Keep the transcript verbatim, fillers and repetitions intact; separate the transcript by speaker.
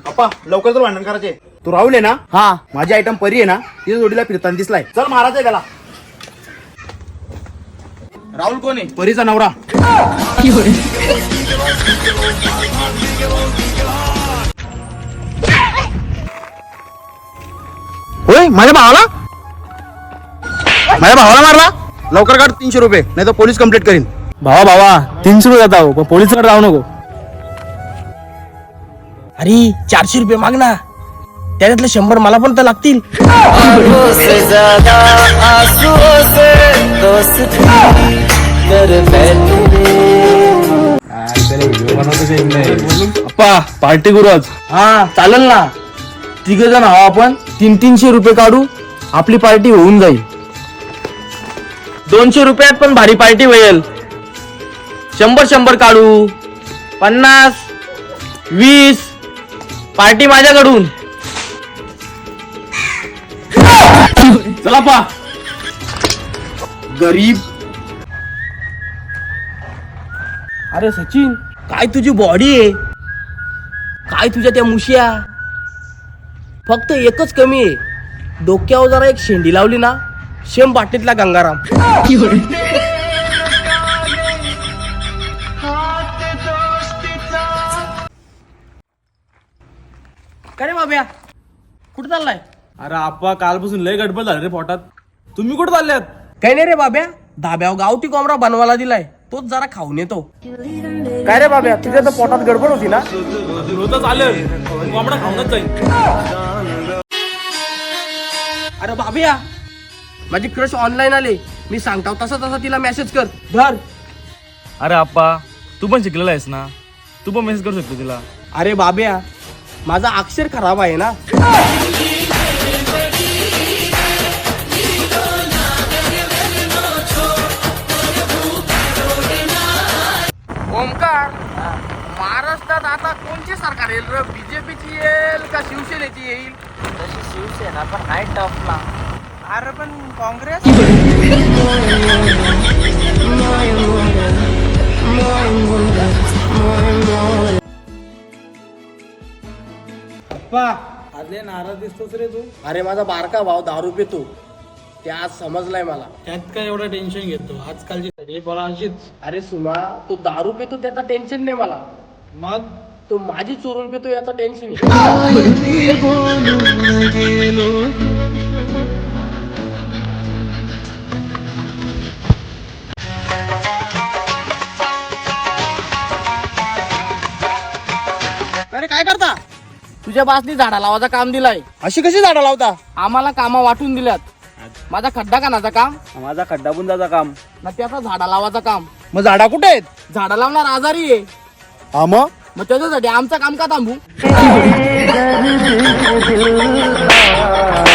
Speaker 1: अप्पा लवकर तर भांडण करायचे. तू राहुल आहे ना?
Speaker 2: हा.
Speaker 1: माझी आयटम परी आहे ना, तिच्या जोडीला फिरताना दिसलाय. चल महाराज त्याला. राहुल कोण आहे? परीचा नवरा. होय, माझ्या भावाला माझ्या भावाला मारला. लवकर काढ तीनशे रुपये, नाही तर पोलीस कंप्लेंट करीन.
Speaker 2: भावा भावा तीनशे रुपये जाता हो, पण पोलिसकडे जाऊ नको.
Speaker 3: अरे चारशे रुपये माग ना, त्याच्यातले शंभर मला पण तर लागतील.
Speaker 2: अप्पा पार्टी करू आज.
Speaker 3: हा चालेल ना, तिघ जण हवा आपण तीन तीनशे रुपये काढू, आपली पार्टी होऊन जाईल. दोनशे रुपयात पण भारी पार्टी होईल. शंभर शंभर काढू, पन्नास वीस पार्टी माझ्याकडून.
Speaker 1: चला पा. गरीब.
Speaker 3: अरे सचिन, काय तुझी बॉडी आहे, काय तुझ्या त्या मुशिया. फक्त एकच कमी आहे, डोक्यावर जरा एक शेंडी लावली ना, शेम बाटलीतला गंगाराम. काय रे बाब्या, कुठं चाललाय?
Speaker 2: अरे आप्पा कालपासून लय गडबड झाली रे पोटात. तुम्ही कुठे चालल्यात?
Speaker 3: काही नाही रे बाब्या, धाब्यावर गावठी कोंबडा बनवायला दिलाय, तोच जरा खाऊन येतो. काय रे बाब्या, तुझ्या तर पोटात गडबड होती ना?
Speaker 2: होतं चालेल, कोंबडा खाऊनच जाईल.
Speaker 3: अरे बाब्या, माझी क्रश ऑनलाईन आले, मी सांगतो तसा तसा तिला मेसेज कर. धर.
Speaker 2: अरे आप्पा तू पण शिकलेला आहेस ना, तू पण मेसेज करू शकतो तिला.
Speaker 3: अरे बाब्या, माझा अक्षर खराब आहे ना. ओमकार, महाराष्ट्रात आता कोणची सरकार येईल रे? बीजेपीची येईल का शिवसेनेची येईल?
Speaker 4: तशी शिवसेना पण नाही टफला.
Speaker 3: अरे पण काँग्रेस.
Speaker 2: आदले नाराज दिसतोस रे तू.
Speaker 3: अरे माझा बारका भाऊ दारू पितो, ते आज समजलाय मला.
Speaker 2: त्यात काय एवढं टेन्शन घेतो, आजकालची सगळी पोरं अशीच.
Speaker 3: अरे सुमा, तो दारू पितो त्याचा टेन्शन नाही मला,
Speaker 2: मग
Speaker 3: तो माझी चोरून पितो याचा टेन्शन. अरे काय करता? तुझ्या बासनी झाडा लावायचं काम दिलाय.
Speaker 1: अशी कशी झाडं लावता?
Speaker 3: आम्हाला कामं वाटून दिल्यात. माझा खड्डा कानाचं काम
Speaker 2: माझा खड्डा बुंदाचा काम.
Speaker 3: ना त्याचा झाडा लावायचं काम.
Speaker 1: मग झाडा कुठे आहेत?
Speaker 3: झाडा लावणार आजारी आहे,
Speaker 1: हा मग
Speaker 3: मग त्याच्यासाठी आमचं काम का थांबू?